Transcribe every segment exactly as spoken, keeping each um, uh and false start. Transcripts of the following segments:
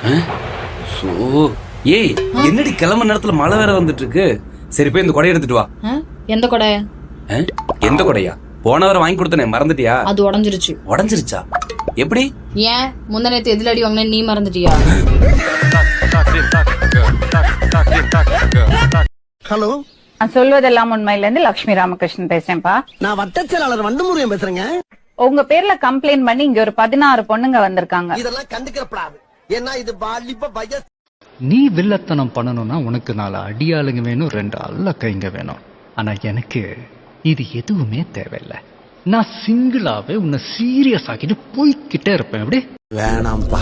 So ஏய் என்னடி கிளம்ப நேரத்துல மழை வேற வந்துட்டு இருக்கு. சரி போய் இந்த கொடையை எடுத்துட்டு வா. எந்த கொடை? எந்த கொடையா? போன வாரம் வாங்கி கொடுத்தனே மறந்துட்டியா? அது உடைஞ்சிருச்சு. உடைஞ்சிருச்சா? எப்படி? ஏன் முந்த நேத்து எதுல அடி வாங்கின நீ மறந்துட்டியா? ஹலோ, நான் சொல்வதெல்லாம் உண்மையில இருந்து லட்சுமி ராமகிருஷ்ணன் பேசுறேன்ப்பா. நான் வட்ட செயலாளர் வண்டமுருகன் பேசுறேங்க. உங்க பேர்ல கம்ப்ளைண்ட் பண்ணி இங்க ஒரு பதினாறு பொண்ணுங்க வந்திருக்காங்க. இதெல்லாம் கண்டுக்கிறப்படாது. ஏன்னா இது வாலிப வயசு. நீ வில்லத்தனம் பண்ணணும்னா உனக்கு நாலு அடியாளுங்க வேணும், ரெண்டு அல்ல கைங்க வேணும். ஆனா எனக்கு இது எதுவுமே தேவையில்லை. நான் சிங்கிளாவே உன்னை சீரியஸ் ஆக்கிட்டு போய்கிட்டே இருப்பேன். எப்படி? வேணாம்பா,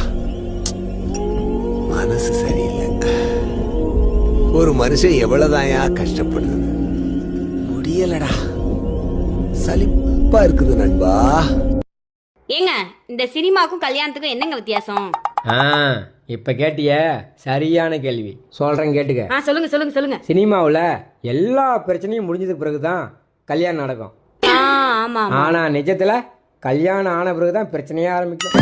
மனசு சரியில்லை. ஒரு மனுஷன் எவ்வளவுதாயா கஷ்டப்படுது, முடியலடா, சலிப்பா இருக்குது நண்பா. ஏங்க இந்த சினிமாக்கும் கல்யாணத்துக்கும் என்னங்க வித்தியாசம்? இப்ப கேட்டிய சரியான கேள்வி சொல்றேன், கேட்டுக்க. ஆ சொல்லுங்க சொல்லுங்க சொல்லுங்க. சினிமாவுல எல்லா பிரச்சனையும் முடிஞ்சதுக்கு பிறகுதான் கல்யாணம் நடக்கும். ஆமா. ஆனா நிஜத்துல கல்யாணம் ஆன பிறகுதான் பிரச்சனையே ஆரம்பிக்கும்.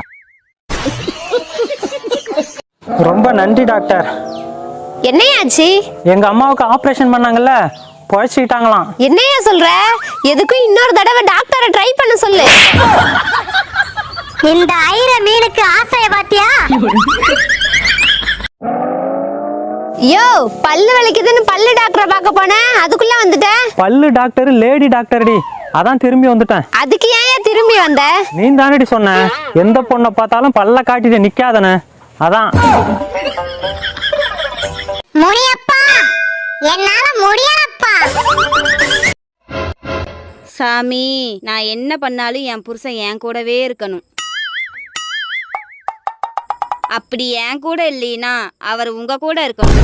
ரொம்ப நன்றி டாக்டர். என்னையாச்சு? எங்க அம்மாவுக்கு ஆபரேஷன் பண்ணாங்கல்ல, பொழைச்சிட்டாங்களாம். என்னையா சொல்ற? எதுக்கும் இன்னொரு தடவை டாக்டரை ட்ரை பண்ண சொல்லு. இந்த ஐர மீனுக்கு ஆசைய பாத்தியா? யோ, பல்லு வலிக்குதுன்னு பல்லு டாக்டரை பார்க்க போனேன், அதுக்குள்ள வந்துட்டேன். பல்லு டாக்டர் லேடி டாக்டர்டி, அதான் திரும்பி வந்துட்டேன். அதுக்கு ஏன் திரும்பி வந்த? நீ தானடி சொன்ன எந்த பொண்ணை பார்த்தாலும் பல்ல காட்டிட்டு நிக்காதன, அதான். முடியப்பா, என்னால முடியலப்பா. சாமி, நான் என்ன பண்ணாலும் என் புருஷன் என் கூடவே இருக்கணும். அப்படி என் கூட இல்லைனா அவர் உங்க கூட இருக்கணும்.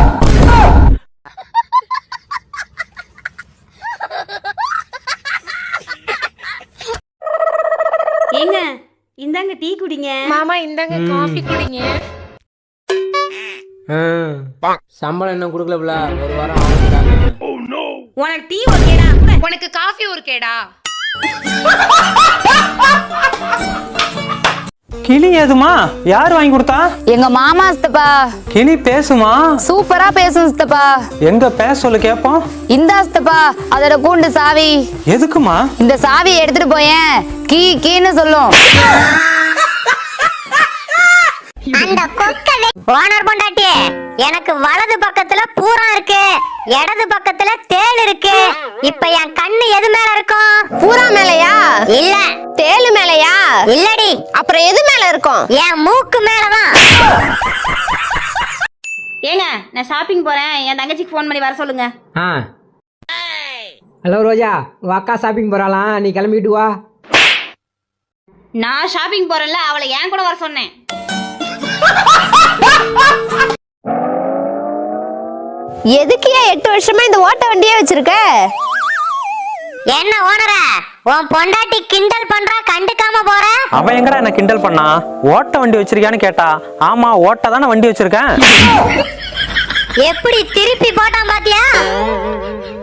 ஏங்க இந்தாங்க டீ குடிங்க. மாமா இந்தாங்க காஃபி குடிங்க. சம்பளம் என்ன கொடுக்கல, ஒரு வாரம் ஆகுறாங்க. உனக்கு டீ ஓகேடா, உனக்கு காஃபி ஒரு கேடா? கிளி ஏதுமா? யார் வாங்கி கொடுத்தா? எங்க மாமா சித்தப்பா. கிளி பேசுமா? சூப்பரா பேசும் சித்தப்பா. எங்க பேச சொல்லு கேப்போம். இந்தா சித்தப்பா அதோட கூண்டு சாவி. எதுக்குமா? இந்த சாவியை எடுத்துட்டு போயேன், கீ கீன்னு சொல்லும். அந்த கொக்கவே ஓனர் பொண்டாட்டி, எனக்கு வலது பக்கத்துல பூரம் இருக்கு, இடது பக்கத்துல தேள் இருக்கு. இப்ப என் கண்ணு எது மேல இருக்கும்? பூரா மேலயா? இல்ல. தேள் மேலயா? இல்லடி. அப்புறம் எது மேல இருக்கும்? என் மூக்கு மேலதான். ஏங்க நான் ஷாப்பிங் போறேன், என் தங்கச்சிக்கு ஃபோன் பண்ணி வர சொல்லுங்க. ஆ ஹலோ ரோஜா, உன் அக்கா ஷாப்பிங் போறாளாம், நீ கிளம்பிட்டு வா. நான் ஷாப்பிங் போறேன்ல, அவளை ஏன் கூட வர சொன்னேன். எதுக்கு எட்டு வருஷமா இந்த ஓட்ட வண்டியே வச்சிருக்க? என்ன ஓனர, உன் பொண்டாட்டி கிண்டல் பண்றா, கண்டுக்காம போற? அவன் எங்கடா என்ன கிண்டல் பண்ணா? ஓட்ட வண்டி வச்சிருக்கியான்னு கேட்டா, ஆமா ஓட்ட தானே வண்டி வச்சிருக்கேன். எப்படி திருப்பி போட்டான் பாத்தியா?